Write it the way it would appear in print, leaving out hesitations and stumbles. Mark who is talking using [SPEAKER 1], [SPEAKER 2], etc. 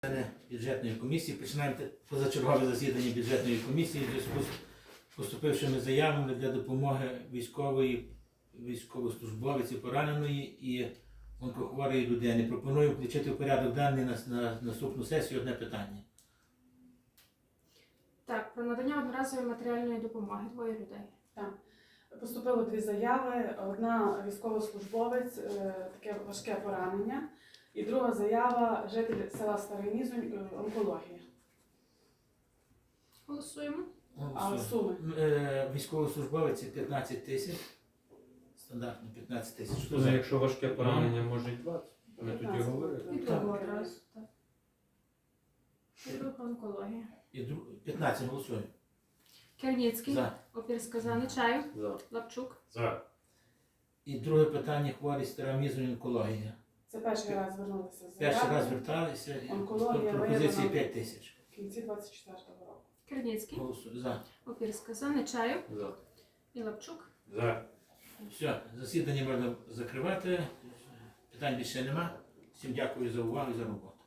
[SPEAKER 1] Бюджетної комісії. Починаємо позачергове засідання бюджетної комісії в зв'язку з поступившими заявами для допомоги військовослужбовиці пораненої і онкохворої людини. Пропоную включити в порядок денний на наступну сесію одне питання.
[SPEAKER 2] Так, про надання одноразової матеріальної допомоги. Двоє людей.
[SPEAKER 3] Так. Поступило дві заяви. Одна військовослужбовець, таке важке поранення. І друга заява житель села Старий Мізунь, онкологія.
[SPEAKER 2] Голосуємо.
[SPEAKER 3] А суми?
[SPEAKER 1] Військовослужбовець 15 тисяч. Стандартно 15 тисяч.
[SPEAKER 4] Ну, якщо важке поранення, може й 20. Ми тоді говорили.
[SPEAKER 2] І другу одразу. Так. І друга онкологія.
[SPEAKER 1] 15 голосуємо.
[SPEAKER 2] Керніцький.
[SPEAKER 1] За.
[SPEAKER 2] Опірська за. Нечаєв.
[SPEAKER 4] За.
[SPEAKER 2] Лапчук.
[SPEAKER 4] За.
[SPEAKER 1] І друге питання хворі Стара Мізунь онкологія.
[SPEAKER 3] Це перший раз звернулися з
[SPEAKER 1] Перший раз
[SPEAKER 3] заявою.
[SPEAKER 1] зверталися.
[SPEAKER 3] Онкологія
[SPEAKER 1] Пропозиції
[SPEAKER 3] виявлена
[SPEAKER 1] 5 тисяч.
[SPEAKER 3] В кінці 24-го року.
[SPEAKER 2] Керніцький.
[SPEAKER 1] Голосуємо. За.
[SPEAKER 2] Опірська за. Нечаєв.
[SPEAKER 4] За.
[SPEAKER 2] І Лапчук.
[SPEAKER 4] За.
[SPEAKER 1] Все, засідання можна закривати. Питань більше нема. Всім дякую за увагу і за роботу.